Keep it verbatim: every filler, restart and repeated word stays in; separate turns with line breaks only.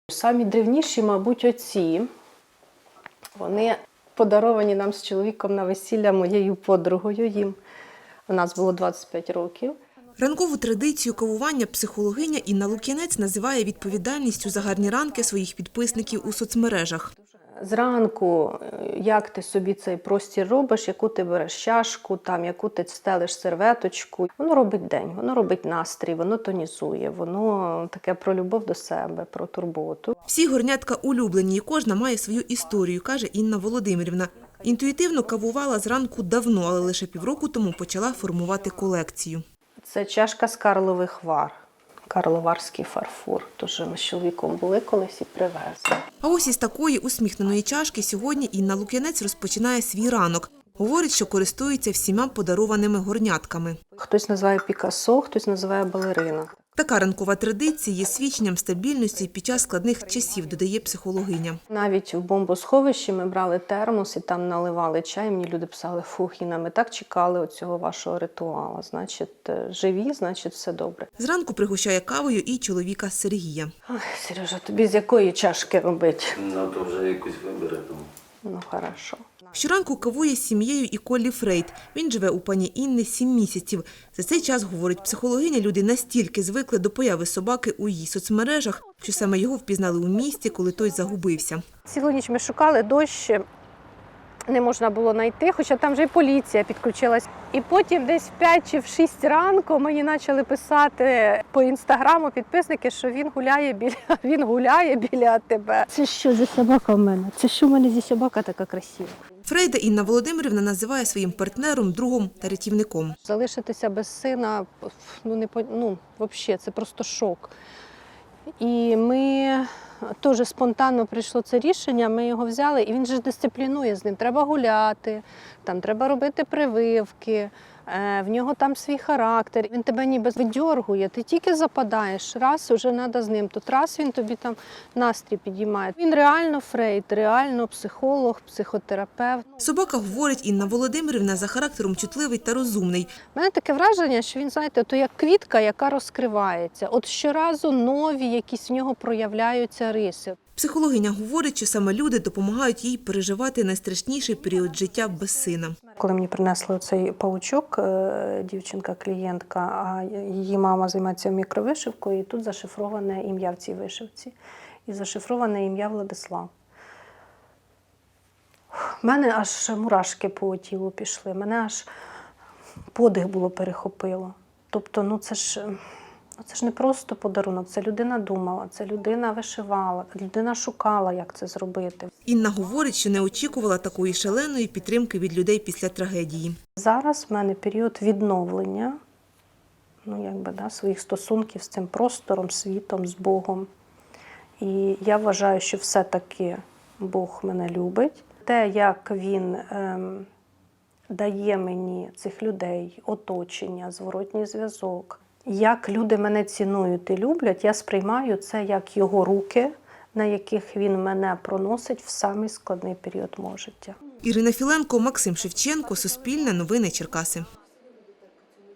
Самі древніші, мабуть, оці. Вони подаровані нам з чоловіком на весілля моєю подругою їм. У нас було двадцять п'ять років.
Ранкову традицію кавування психологиня Інна Лук'янець називає відповідальністю за гарні ранки своїх підписників у соцмережах.
Зранку, як ти собі цей простір робиш, яку ти береш чашку, там, яку ти стелиш серветочку. Воно робить день, воно робить настрій, воно тонізує, воно таке про любов до себе, про турботу.
Всі горнятка улюблені, і кожна має свою історію, каже Інна Володимирівна. Інтуїтивно кавувала зранку давно, але лише півроку тому почала формувати колекцію.
Це чашка з карлових вар, карловарський фарфор. Тож ми з чоловіком були колись і привезли.
А ось із такої усміхненої чашки сьогодні Інна Лук'янець розпочинає свій ранок. Говорить, що користується всіма подарованими горнятками.
Хтось називає Пікассо, хтось називає балерина.
Така ранкова традиція є свідченням стабільності під час складних часів, додає психологиня.
Навіть в бомбосховищі ми брали термос і там наливали чай. Мені люди писали: фух, Інна, ми так чекали оцього вашого ритуалу. Значить, живі, значить, все добре.
Зранку пригощає кавою і чоловіка Сергія.
Ой, Сережа, тобі з якої чашки робити?
Ну, то вже якусь вибере.
Ну, хорошо.
Щоранку кавує з сім'єю і Коллі Фрейд. Він живе у пані Інни сім місяців. За цей час, говорить психологиня, люди настільки звикли до появи собаки у її соцмережах, що саме його впізнали у місті, коли той загубився.
Цілу ніч ми шукали, дощ не можна було знайти, хоча там вже і поліція підключилась. І потім десь в п'ять чи в шість ранку мені почали писати по інстаграму підписники, що він гуляє біля, він гуляє біля тебе. Це що за собака в мене? Це що в мене за собака така красива?
Фрейда Інна Володимирівна називає своїм партнером, другом та рятівником.
Залишитися без сина, ну, не, ну, взагалі, це просто шок. І ми теж спонтанно прийшло це рішення, ми його взяли, і він же дисциплінує з ним. Треба гуляти, там треба робити прививки, в нього там свій характер. Він тебе ніби видьоргує, ти тільки западаєш, раз вже треба з ним, тут раз він тобі там настрій підіймає. Він реально Фрейд, реально психолог, психотерапевт.
Собака, говорить Інна Володимирівна, за характером чутливий та розумний.
У мене таке враження, що він, знаєте, то як квітка, яка розкривається. От щоразу нові якісь в нього проявляються риси.
Психологиня говорить, що саме люди допомагають їй переживати найстрашніший період життя без сина.
Коли мені принесли цей паучок, дівчинка-клієнтка, а її мама займається мікровишивкою, і тут зашифроване ім'я в цій вишивці. І зашифроване ім'я Владислав. У мене аж мурашки по тілу пішли, мене аж подих було перехопило. Тобто, ну це ж... Це ж не просто подарунок, це людина думала, це людина вишивала, людина шукала, як це зробити.
Інна говорить, що не очікувала такої шаленої підтримки від людей після трагедії.
Зараз в мене період відновлення, ну, якби, да, своїх стосунків з цим простором, світом, з Богом. І я вважаю, що все-таки Бог мене любить. Те, як Він ем, дає мені цих людей, оточення, зворотній зв'язок, як люди мене цінують і люблять, я сприймаю це як його руки, на яких він мене проносить в самий складний період мого життя.
Ірина Філенко, Максим Шевченко, Суспільне новини Черкаси.